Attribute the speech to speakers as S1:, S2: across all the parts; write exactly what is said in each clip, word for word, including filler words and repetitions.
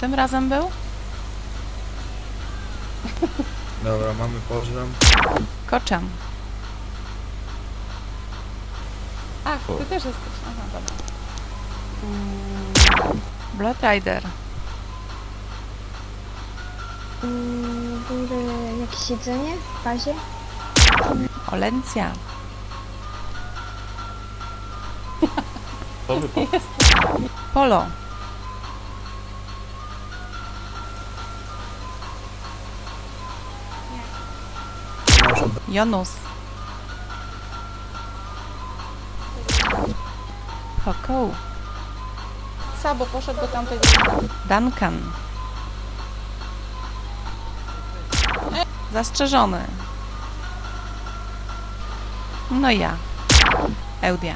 S1: tym razem był?
S2: Dobra, mamy poziom.
S1: Koczem. Ach, ty też jesteś. Aha, dobra. Mm, Blood Rider.
S3: Mm, Będzie jakieś jedzenie w bazie?
S1: Olencja.
S2: To wypadł.
S1: Polo. Jonus. Pokoł.
S4: Sabo poszedł do tamtej...
S1: Duncan. Zastrzeżony. No i ja. Eudia.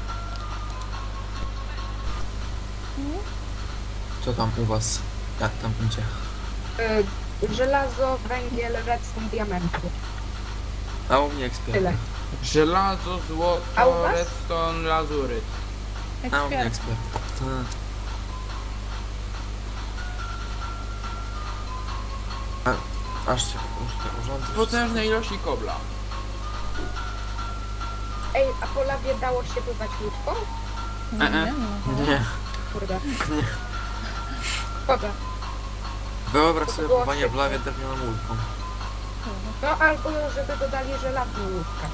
S2: Co tam u was? Jak tam idzie?
S5: Y, żelazo, węgiel, redstone, diamenty.
S2: A u mnie ekspert.
S5: Tyle.
S6: Żelazo,
S5: A u
S6: złoto,
S5: was?
S6: redstone, lazuryt.
S2: A u mnie
S1: Ekspier.
S2: ekspert. Tak. A, aż się już te urządy.
S6: Potężne ilości kobla.
S5: Ej, a po lawie dało się pływać łódką?
S1: Nie
S6: E, e.
S1: wiem. no.
S2: Nie.
S5: Kurde. Szkoda.
S2: Wyobraź
S5: To
S2: sobie
S5: było
S2: pływanie w
S5: świetne.
S2: lawie drewnianą łódką.
S5: No albo żeby dodali żelazną łódkę.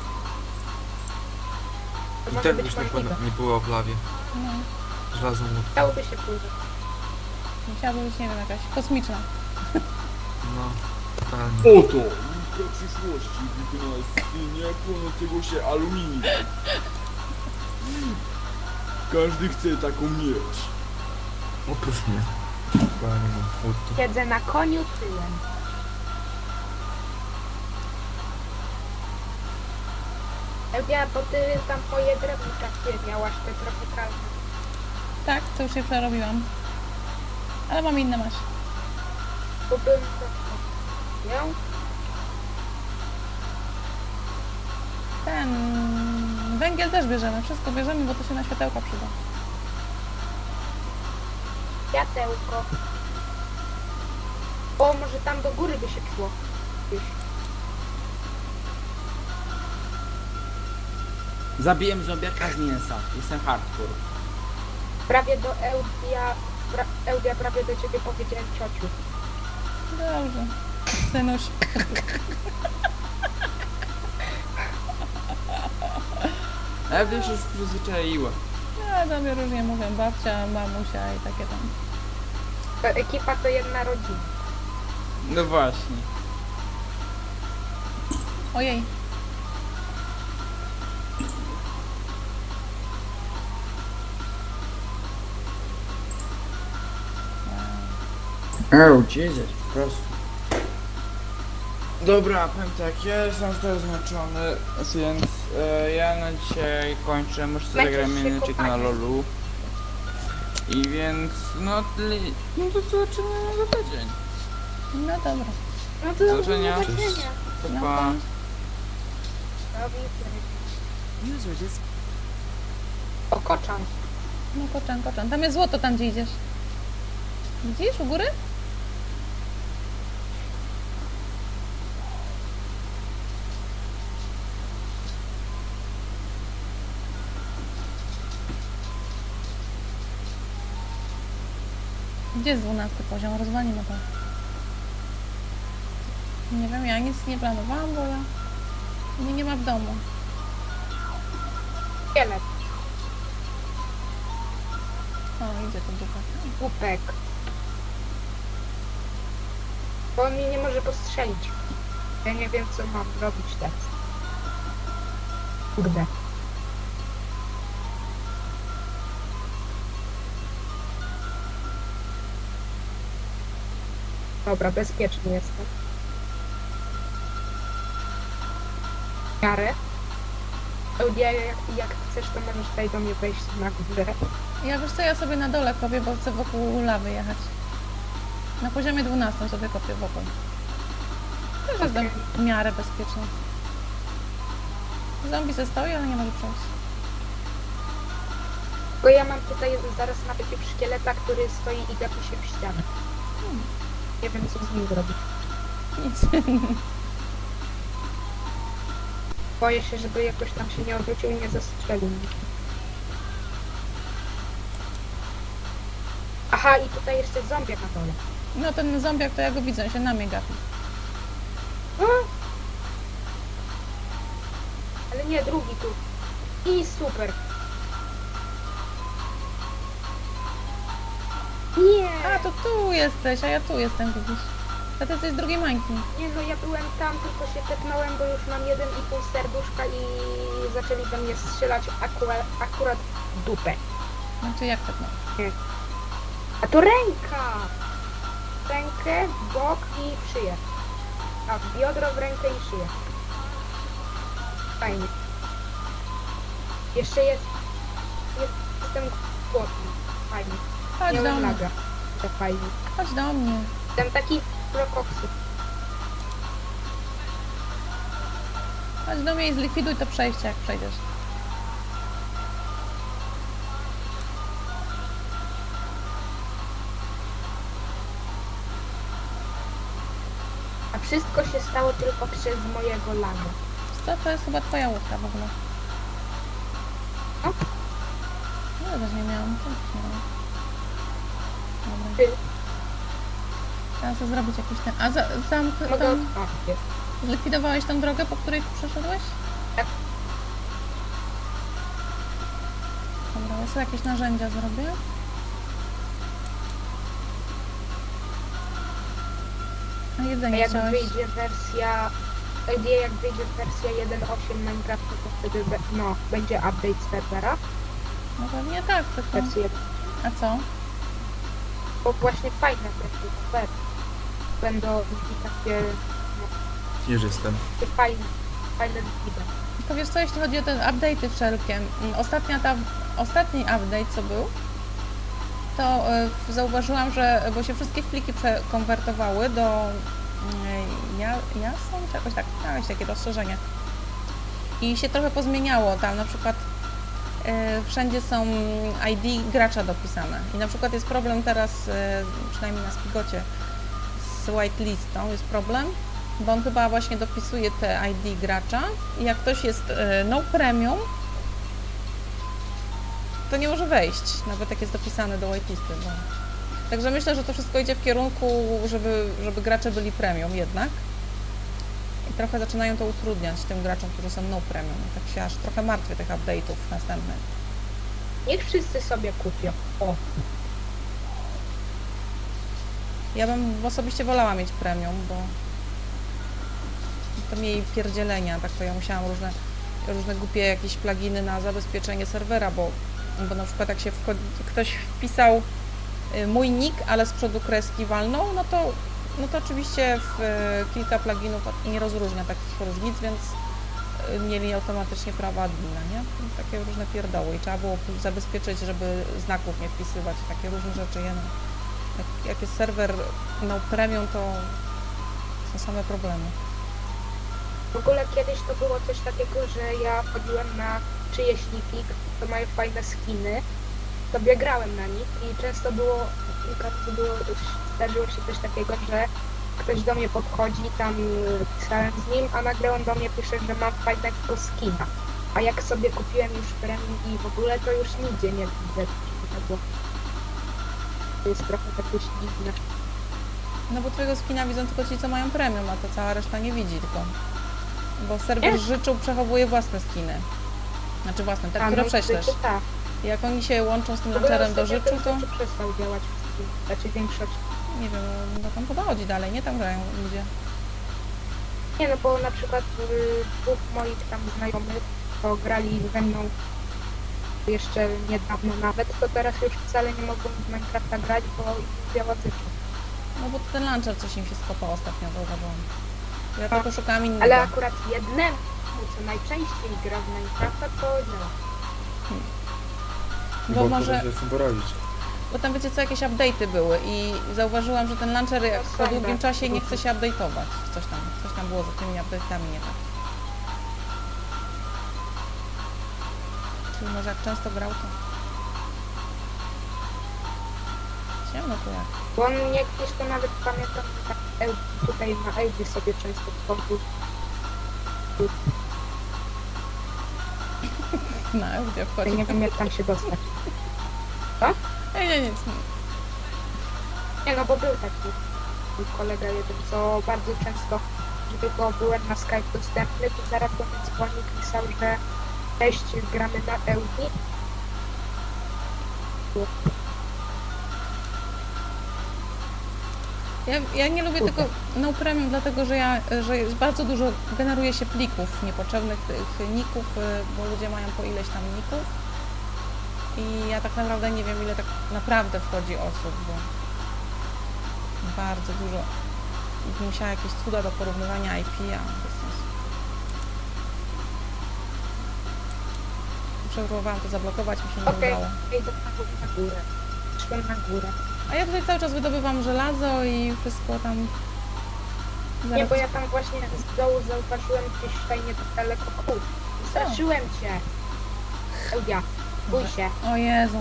S5: To
S2: I
S5: może
S2: tak
S5: być
S2: byś nie,
S5: możliwe.
S2: płynę- nie było w lawie.
S1: No.
S2: Żelazną łódką.
S5: Dałoby się pływać.
S1: Musiałaby być, nie wiem, jakaś kosmiczna.
S2: No, totalnie.
S7: Oto łódka przyszłości wykonana z płynie płonącego się aluminium. Każdy chce taką mieć.
S2: Oprócz mnie. Bo ja nie mam łódki.
S5: Siedzę na koniu tyłem. Elia, bo ty tam moje drewno takie miałaś, te tropikalne.
S4: Tak, to już je przerobiłam. Ale mam inne masz.
S5: Bo bym to miał.
S4: Ten... Węgiel też bierzemy, wszystko bierzemy, bo to się na światełka przyda.
S5: Światełko. O, może tam do góry by się szło. Gdzieś.
S6: Zabiłem zombiaka z mięsa. Jestem hardcore.
S5: Prawie do Eudia, pra, Eudia prawie do ciebie powiedziałem ciociu.
S4: Dobrze. Synuś.
S6: Ale to się już przyzwyczaiła.
S4: Ja do mnie różnie mówię, babcia, mamusia i takie tam.
S5: To ekipa to jedna rodzina.
S6: No właśnie.
S4: Ojej.
S6: Oh, Jesus, po prostu. Dobra, powiem tak, ja jestem teraz zmęczony, więc e, ja na dzisiaj kończę, muszę sobie
S5: Będziesz
S6: zagrać
S5: się
S6: mineczek na
S5: kopać.
S6: lolu. I więc, no, tyle, no to zobaczymy za tydzień.
S4: No dobra.
S5: No
S6: Do zobaczenia.
S5: do zobaczenia.
S6: Pa,
S4: No
S6: pa.
S4: pa.
S5: Robi O, koczan.
S4: No koczan, koczan. Tam jest złoto, tam gdzie idziesz. Widzisz u góry? Gdzie jest dwunasty poziom? Rozwalimy to. Nie wiem, ja nic nie planowałam, bo ja... Mnie nie ma w domu.
S5: Szkielet,
S4: O, idzie to dupa.
S5: głupek. Bo on mnie nie może postrzelić. Ja nie wiem, co mam robić teraz. Kurde. Dobra, bezpieczny jestem. W miarę. Eudia, jak, jak chcesz, to możesz tutaj do mnie wejść na górę.
S4: Ja wiesz co, ja sobie na dole kopię, bo chcę wokół lawy jechać. Na poziomie dwunastym sobie kopię wokół. Też jestem w miarę bezpieczna. Zombie ze stoi, ale nie może przejść.
S5: Bo ja mam tutaj zaraz napędził szkieleta, który stoi i gapi się w ścianę. Nie wiem, co z nim zrobić.
S4: Nic.
S5: Boję się, żeby jakoś tam się nie odwrócił i nie zastrzelił mnie. Aha, i tutaj jeszcze zombiak na dole.
S4: No ten zombiak to ja go widzę, on się na mnie gapi.
S5: A? Ale nie, drugi tu. I super. Nie!
S4: A, to tu jesteś, a ja tu jestem, widzisz. A ty jesteś z drugiej mańki.
S5: Nie no, ja byłem tam, tylko się tepnąłem, bo już mam jeden i pół serduszka i zaczęli we mnie strzelać akurat, akurat w dupę.
S4: Znaczy jak tak no?
S5: A to ręka! Rękę, w bok i w szyję. A w biodro, w rękę i szyję. Fajnie. Jeszcze jest... jest jestem głodny. Fajnie.
S4: Chodź do
S5: Miałem
S4: mnie,
S5: laga. To fajnie.
S4: chodź do mnie.
S5: Jestem taki prokoksy.
S4: Chodź do mnie i zlikwiduj to przejście, jak przejdziesz.
S5: A wszystko się stało tylko przez mojego laga.
S4: Co, to jest chyba twoja łódka w ogóle.
S5: No.
S4: No, też nie miałam. Też nie miałam. Dobra.
S5: Ty.
S4: Trzeba sobie zrobić jakiś ten... A za, zamk...
S5: Mogę
S4: Tam...
S5: otworzyć.
S4: Zlikwidowałeś tą drogę, po której tu przeszedłeś?
S5: Tak.
S4: Dobra, ja sobie jakieś narzędzia zrobię. A
S5: A
S4: jedzenie
S5: jak
S4: chciałeś?
S5: wyjdzie wersja... Gdzie jak wyjdzie wersja jeden osiem Minecraftu, to wtedy be, no, będzie update serwera.
S4: No pewnie tak, tylko...
S5: Wersji jeden.
S4: A co?
S5: Bo właśnie fajne wersje super. Będą takie,
S2: Już jestem.
S5: takie fajne, fajne wideo.
S4: To wiesz co, jeśli chodzi o te update'y wszelkie, mm, ostatnia ta, ostatni update co był, to y, zauważyłam, że, bo się wszystkie pliki przekonwertowały do y, ja, jasą, czy jakoś tak, jakieś takie rozszerzenie. I się trochę pozmieniało tam, na przykład y, wszędzie są I D gracza dopisane. I na przykład jest problem teraz, y, przynajmniej na Spigocie, z whitelistą jest problem, bo on chyba właśnie dopisuje te I D gracza i jak ktoś jest y, no premium, to nie może wejść, nawet jak jest dopisany do whitelisty. Bo... Także myślę, że to wszystko idzie w kierunku, żeby, żeby gracze byli premium jednak. I trochę zaczynają to utrudniać tym graczom, którzy są no premium. Tak się aż trochę martwię tych update'ów następnych.
S5: Niech wszyscy sobie kupią. O,
S4: Ja bym osobiście wolała mieć premium, bo to mniej pierdzielenia, tak to ja musiałam różne, różne głupie jakieś pluginy na zabezpieczenie serwera, bo, bo na przykład jak się wchodzi, ktoś wpisał y, mój nick, ale z przodu kreski walną, no to, no to oczywiście w, y, kilka pluginów nie rozróżnia takich różnic, więc y, mieli automatycznie prawa admina, nie? Takie różne pierdoły i trzeba było zabezpieczyć, żeby znaków nie wpisywać, takie różne rzeczy, nie? No. Jak, jak jest serwer no premium, to są same problemy.
S5: w ogóle kiedyś to było coś takiego, że ja chodziłem na czyjeś niki, to mają fajne skiny, sobie grałem na nich i często było, kilka razy było, zdarzyło się coś takiego, że ktoś do mnie podchodzi, tam y, pisałem z nim, a nagle on do mnie pisze, że mam fajnego skina. A jak sobie kupiłem już premium i w ogóle, to już nigdzie nie widzę tego. To jest trochę takie dziwne.
S4: No bo twojego skina widzą tylko ci, co mają premium, a to cała reszta nie widzi tylko. Bo serwer
S5: Nie.
S4: życzu przechowuje własne skiny. Znaczy własne, te,
S5: A,
S4: które
S5: no,
S4: prześlesz.
S5: to tak.
S4: I jak oni się łączą z tym
S5: W ogóle
S4: launcherem do
S5: ostatnio
S4: życzu,
S5: ten
S4: to
S5: Życiu przestał działać wszystkim, znaczy większość.
S4: nie wiem, no tam chyba chodzi dalej, nie? Tam grają ludzie.
S5: Nie no, bo na przykład y, dwóch moich tam znajomych, to grali ze mną jeszcze niedawno nawet, to teraz już wcale nie mogą w Minecrafta grać, bo im działa Życiu.
S4: No bo ten launcher coś im się skopał ostatnio, zauważyłam. Ja
S5: A,
S4: tylko szukałam innego.
S5: Ale akurat jednemu, co najczęściej gra w Minecrafta, to działa.
S4: Bo może...
S2: się z tym poradzić.
S4: Bo tam wiecie co, jakieś update'y były i zauważyłam, że ten launcher jak po
S5: są,
S4: długim
S5: tak.
S4: czasie nie chce się update'ować. Coś tam, coś tam było za tymi update'ami nie tak. Czyli może jak często grał, to się? No to jak?
S5: Bo on mnie gdzieś to nawet pamiętam, tak Eł- tutaj na Eldzie sobie często wchodził.
S4: Na Eudia
S5: Ja
S4: wchodzi.
S5: nie wiem jak tam się dostać.
S4: Nie, nie, nic.
S5: Nie no, bo był taki mój kolega jeden, co bardzo często, że tylko byłem na Skype dostępny, to zaraz do mnie dzwonił, pisał, że cześć, gramy na Eudi.
S4: Ja, ja nie lubię tego no premium, dlatego że ja, że jest bardzo dużo generuje się plików niepotrzebnych, tych ników, y, bo ludzie mają po ileś tam ników. I ja tak naprawdę nie wiem, ile tak naprawdę wchodzi osób, bo bardzo dużo. I musiała jakieś cuda do porównywania I P, a bez sensu. Próbowałam to zablokować, mi się nie
S5: Okej,
S4: udało.
S5: idę na górę. Szłem na górę.
S4: A ja tutaj cały czas wydobywam żelazo i wszystko tam.
S5: Nie,
S4: Zaraz-
S5: bo ja tam właśnie z dołu zauważyłem gdzieś tutaj niedaleko kół. Straszyłem cię. Eudia, bój się.
S4: O Jezu.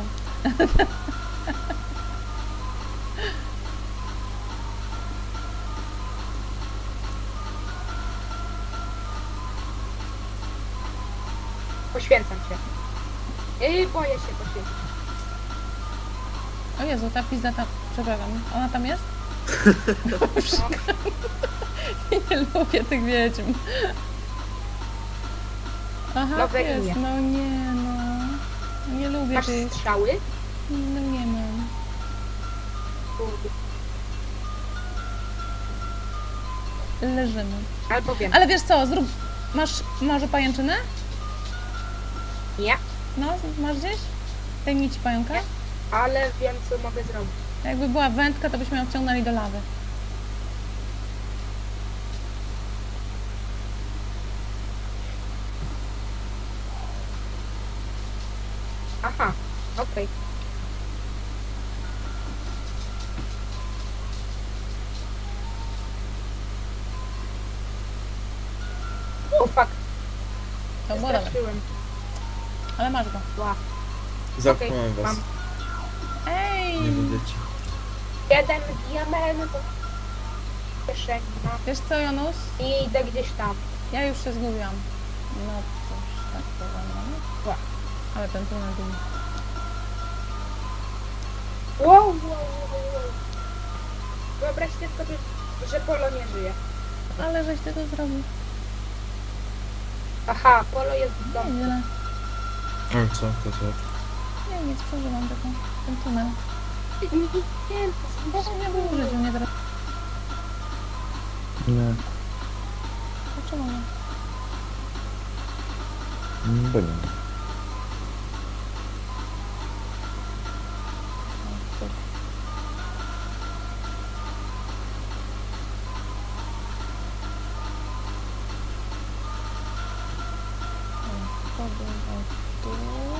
S5: Poświęcam cię. I boję się poświęcić.
S4: O Jezu, ta pizda tam. Przepraszam, ona tam jest? Nie lubię tych wiedźm. Aha,
S5: Nowe
S4: jest.
S5: imię.
S4: No nie, no. Nie lubię
S5: Masz
S4: tych.
S5: strzały?
S4: No nie mam.
S5: Kurde.
S4: Leżymy.
S5: Albo wiem.
S4: Ale wiesz co, zrób. Masz może pajęczynę?
S5: Nie,
S4: No, masz gdzieś? Tej nici pająka?
S5: Nie. ale wiem co mogę zrobić.
S4: Jakby była wędka, to byśmy ją wciągnęli do lawy.
S5: Aha, okej. O fuck,
S4: To było dobre.
S5: straszyłem.
S4: Ale masz go.
S5: Ła.
S2: Zamknąłem was.
S5: mam.
S4: Ej!
S2: Nie będziecie.
S5: Jeden diament w kieszeni, no.
S4: Wiesz co, Jonusz?
S5: I idę gdzieś tam.
S4: Ja już się zgubiłam. No cóż, tak to wygląda.
S5: Ła.
S4: Ale ten tunel był...
S5: Wow, wow, wow, wow. Wyobraźcie sobie, że Polo nie żyje.
S4: Ale żeś ty to zrobił.
S5: Aha, Polo jest w domu.
S4: Nieźle.
S2: A co, to co?
S4: Nie, nic, przeżyłam taką, ten tunel.
S5: Nie, nie,
S4: Boże, nie było w życiu, nie teraz.
S8: Nie,
S4: Dlaczego nie?
S8: bo nie.
S4: O, cóż. O, to było tu.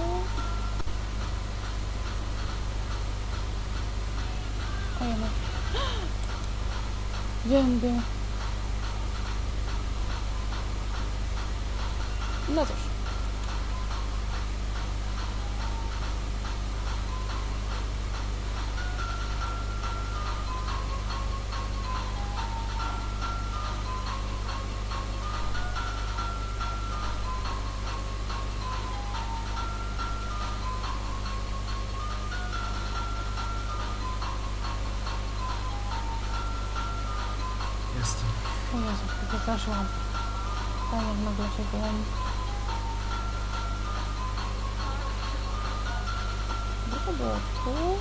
S4: O, ja mam. Wiem, wiem. No cóż.
S2: Jestem.
S4: O Jezu, wystraszyłam. Tak jak nagle się byłam. Gdzie to było? Tu?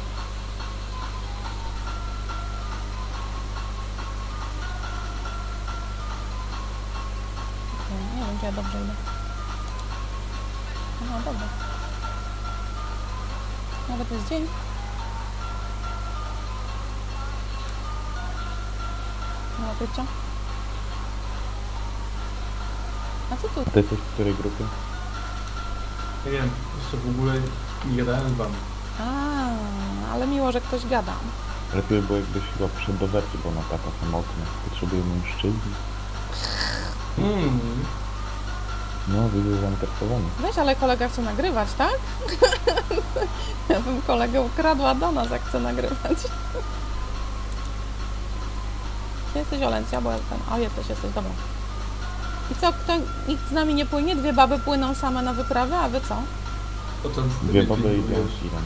S4: Okej, nie wiem, czy ja dobrze idę. Aha, dobra. Nawet jest dzień. Nie ma pycia. A co tu?
S8: A ty jesteś w której grupie?
S9: Nie wiem, jeszcze w ogóle nie gadałem z wami.
S1: A, ale miło, że ktoś gada.
S8: Lepiej by było jakbyś chyba przyszedł do Werty, bo ona taka samotna. Potrzebuje mężczyzny.
S9: Mm.
S8: No, widzę zainteresowany.
S1: Weź, ale kolega chce nagrywać, tak? Ja bym kolegę ukradła do nas, jak chce nagrywać. Gdzie jesteś, Olencja? Bo ja ten... O, jesteś, jesteś, dobra. I co, kto, nikt z nami nie płynie? Dwie baby płyną same na wyprawę, a wy co?
S9: Potem z
S8: Dwie
S9: tymi
S8: baby i
S9: pilnujesz.
S8: idą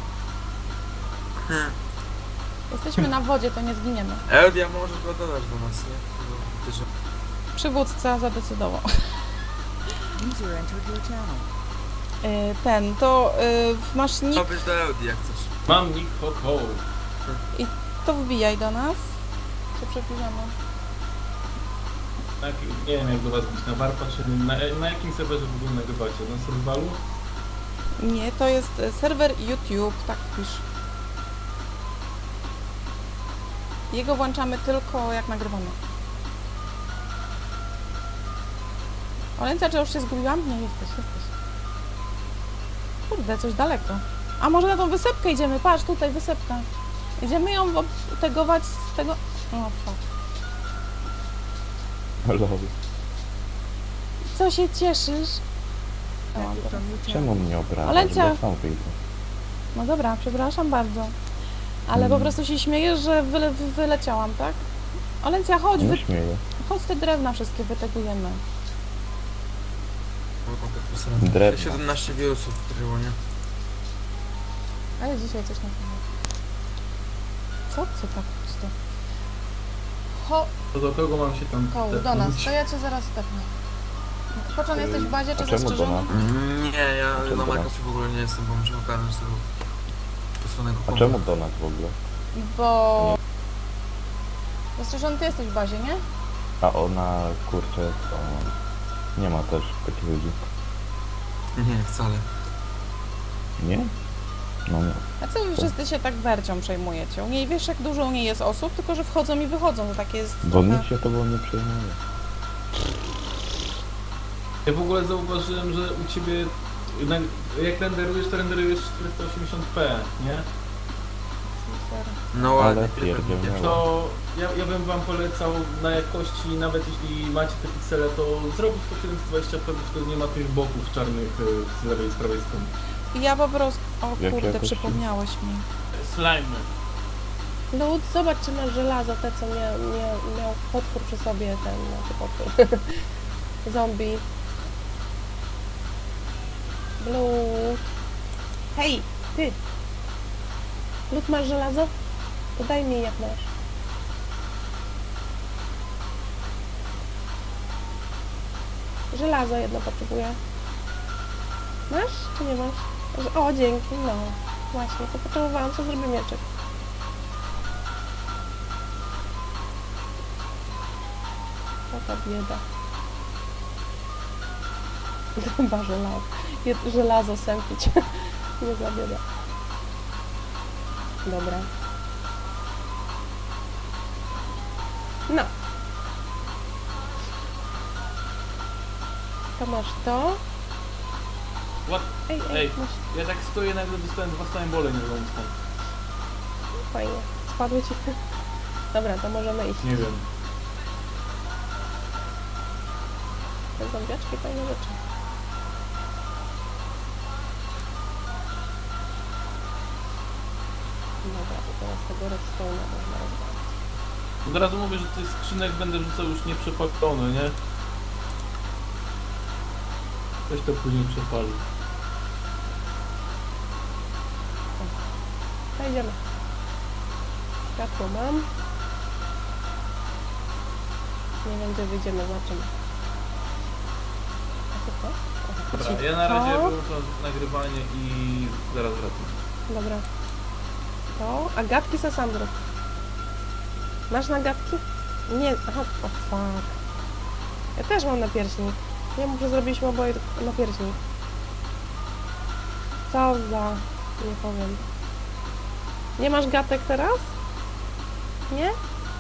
S1: Jesteśmy na wodzie, to nie zginiemy.
S2: Eldia może go dodać do nas, nie? Bo ty, że...
S1: Przywódca zadecydował. Y, Ten, to y, masz nick,
S2: Ma być do Eldii, jak chcesz.
S9: Mam nick ho ho.
S1: to wbijaj do nas. Co przepiszemy?
S9: Tak, nie wiem jak do was bić, na warpa czy na, na jakim serwerze w ogóle nagrywacie? Na survivalu?
S1: Nie, to jest y, serwer YouTube, tak pisz. Jego włączamy tylko jak nagrywamy. Olencja, czy już się zgubiłam? Nie, jesteś, jesteś. Kurde, coś daleko. A może na tą wysepkę idziemy? Patrz, tutaj wysepka. Idziemy ją tegować z tego... O, fuck.
S8: Lol.
S1: Co się cieszysz? O, dobra.
S8: Czemu mnie obrażasz?
S1: Olencja.
S8: Bo sam wyjdę.
S1: No dobra, przepraszam bardzo. Ale po
S8: Mm.
S1: prostu się śmiejesz, że wyle, wy- wyleciałam, tak? Olencja, chodź, wy,
S8: Nie śmieję.
S1: chodź te drewna wszystkie wytegujemy.
S8: Drewno.
S2: siedemnaście wirusów wkryło, nie?
S1: Ale dzisiaj coś na pewno. Co? Co tak pusto? Ho,
S9: To do kogo mam się tam
S1: koł, do nas, to ja cię zaraz stepnę. Poczon, jesteś w bazie,
S8: A
S1: czy
S8: czemu do
S1: zastrzeżony?
S8: nas?
S2: Nie, ja
S8: czemu
S2: na
S8: do nas?
S2: Minecrafcie w ogóle nie jestem, bo muszę ogarnąć tego posłanego
S8: A czemu do nas w ogóle?
S1: Bo... Zastrzeżony, ty jesteś w bazie, nie?
S8: A ona, kurczę, to... Nie ma też takich ludzi.
S2: Nie, wcale.
S8: Nie? No nie.
S1: A co wy wszyscy się tak wercią przejmujecie? U niej wiesz, jak dużo u niej jest osób, tylko że wchodzą i wychodzą, to takie jest
S8: Bo
S1: trochę...
S8: nikt się tobą nie przejmuje.
S9: Ja w ogóle zauważyłem, że u ciebie na- jak renderujesz, to renderujesz czterysta osiemdziesiąt p, nie?
S2: No
S8: Ale
S2: ładnie.
S8: pierdzielnęło.
S9: To ja, ja bym wam polecał na jakości, nawet jeśli macie te piksele, to zrobić to siedemset dwadzieścia p, bo wtedy nie ma tych boków czarnych y, z lewej i z prawej strony.
S1: Ja po prostu... O
S8: Jak
S1: kurde,
S8: jakoś-
S1: przypomniałeś mi.
S9: Slime.
S10: No zobacz, czy masz żelazo, te co miał, miał, miał potwór przy sobie, ten, znaczy potwór, zombie. Blut. Hej, ty! Blut, masz żelazo? To daj mi jak masz. Żelazo jedno potrzebuję. Masz, czy nie masz? O, dzięki, no. Właśnie, to potrzebowałam, co zrobię mieczek. Taka bieda. Chyba żelazo. Je- Żelazo sępić. Nie za bieda. Dobra. No. To masz to.
S9: What?
S10: Ej, ej,
S9: Ej.
S10: masz.
S9: Ja tak stoję, nagle dostałem dwa snajbole, nie wiem skąd.
S10: Fajnie. Spadły ci. Dobra, to możemy iść.
S9: Nie wiem.
S10: Te zombiaczki, fajne rzeczy. Dobra, to teraz tego redstone'a można rozwalić.
S9: Od razu mówię, że tych skrzynek będę rzucał już nieprzepalone, nie? Ktoś to później przepali.
S10: To idziemy. Światło mam. Nie wiem, gdzie wyjdziemy, zobaczymy. A co to? Aha,
S9: Dobra,
S10: ci-
S9: ja na razie
S10: to.
S9: wyłączam nagrywanie i zaraz wracam.
S10: Dobra. To, a gadki co sam zrób. Masz na gadki? Nie, aha, o fuck. Ja też mam napierśnik. Nie muszę zrobić oboje napierśnik. Co za... nie powiem. Nie masz gatek teraz? Nie?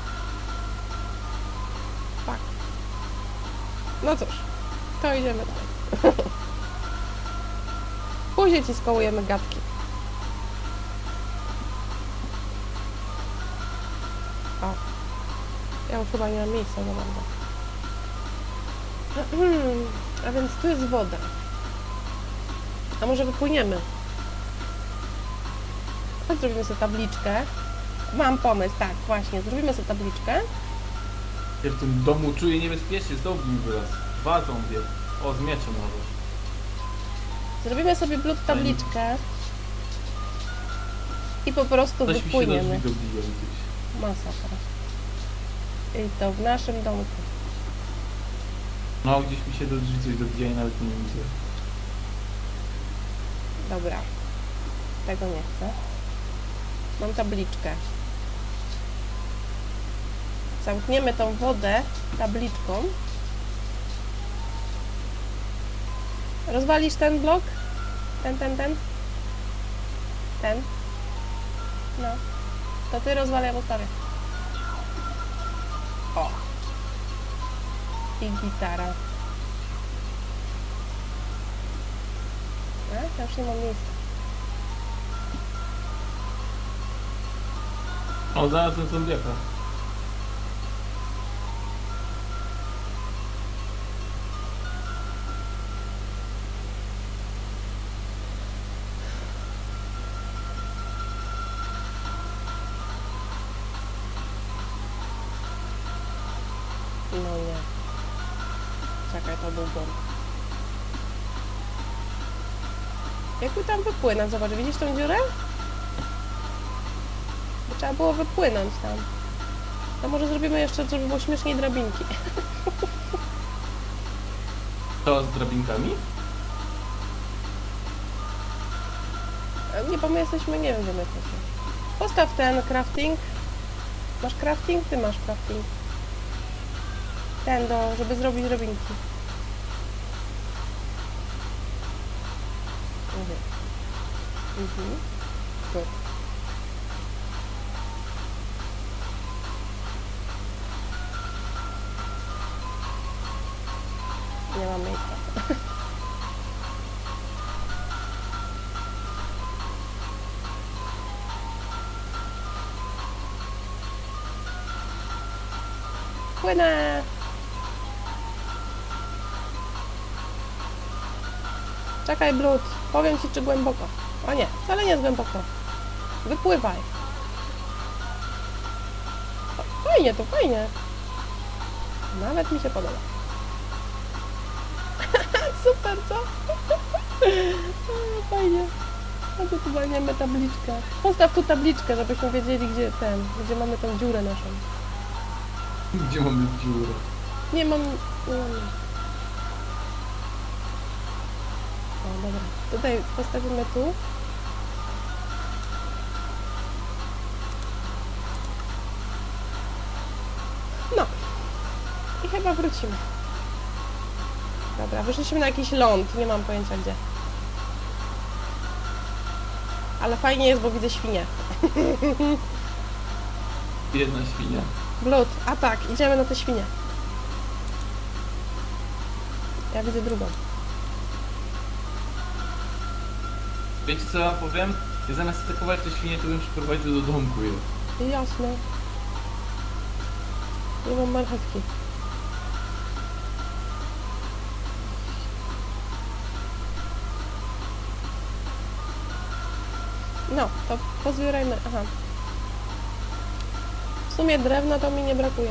S10: Tak. No cóż, to idziemy dalej. Później ci skołujemy gadki. O. Ja już chyba nie mam miejsca za bardzo. A więc tu jest woda. A może wypłyniemy? Chodź, zrobimy sobie tabliczkę. Mam pomysł, tak, właśnie. Zrobimy sobie tabliczkę.
S9: Ja w tym domu czuję niebezpiecznie, znowu mi wyraz. Dwa zombie. O, z mieczem nawet.
S10: Zrobimy sobie blut tabliczkę. I po prostu
S9: Coś mi się do drzwi
S10: wypłyniemy.
S9: dobija gdzieś.
S10: Masakra. I to w naszym domku.
S9: No, gdzieś mi się do drzwi coś dobija i nawet nie widzę.
S10: Dobra. Tego nie chcę. Mam tabliczkę. Zamkniemy tą wodę tabliczką. Rozwalisz ten blok? Ten, ten, ten? Ten? No. To ty rozwal, ja postawię. O. I gitara. A, ja już nie mam miejsca.
S9: O, znalazłem zombiaka.
S10: No nie. Czekaj, to był błąd. Jak my tam wypłynąć? Zobacz, widzisz tą dziurę? Bo trzeba było wypłynąć tam. To może zrobimy jeszcze, żeby było śmieszniej, drabinki.
S9: To z drabinkami?
S10: Nie, bo my jesteśmy, nie wiem, gdzie my jesteśmy. Postaw ten crafting. Masz crafting? Ty masz crafting. Ten do, żeby zrobić drabinki. Mhm. Mhm. Good. Nie mam miejsca. Płynę! Czekaj, Blut. Powiem ci, czy głęboko. O nie, wcale nie jest głęboko. Wypływaj. O, fajnie, to fajnie. Nawet mi się podoba. Super, co? O, fajnie. A tu chyba nie mamy tabliczkę. Postaw tu tabliczkę, żebyśmy wiedzieli, gdzie ten, gdzie mamy tą dziurę naszą.
S9: Gdzie mamy dziurę?
S10: Nie mam... Nie mam. O, dobra. Tutaj postawimy tu. No. I chyba wrócimy. Dobra, wyszliśmy na jakiś ląd. Nie mam pojęcia gdzie. Ale fajnie jest, bo widzę świnię.
S9: Jedna świnia.
S10: Blut. A tak, idziemy na tę świnię. Ja widzę drugą.
S9: Wiecie co wam powiem? Ja zamiast atakować te świnie, to bym przyprowadził do domku je.
S10: Jasne. Nie mam marchewki. No, to pozbierajmy. Aha. W sumie drewna to mi nie brakuje.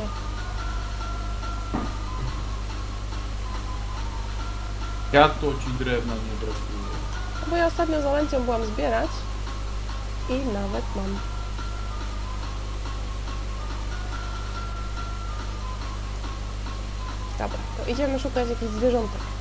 S9: Ja to ci drewna nie brakuje.
S10: Bo ja ostatnio z Olencją byłam zbierać i nawet mam. Dobra, to idziemy szukać jakichś zwierzątek.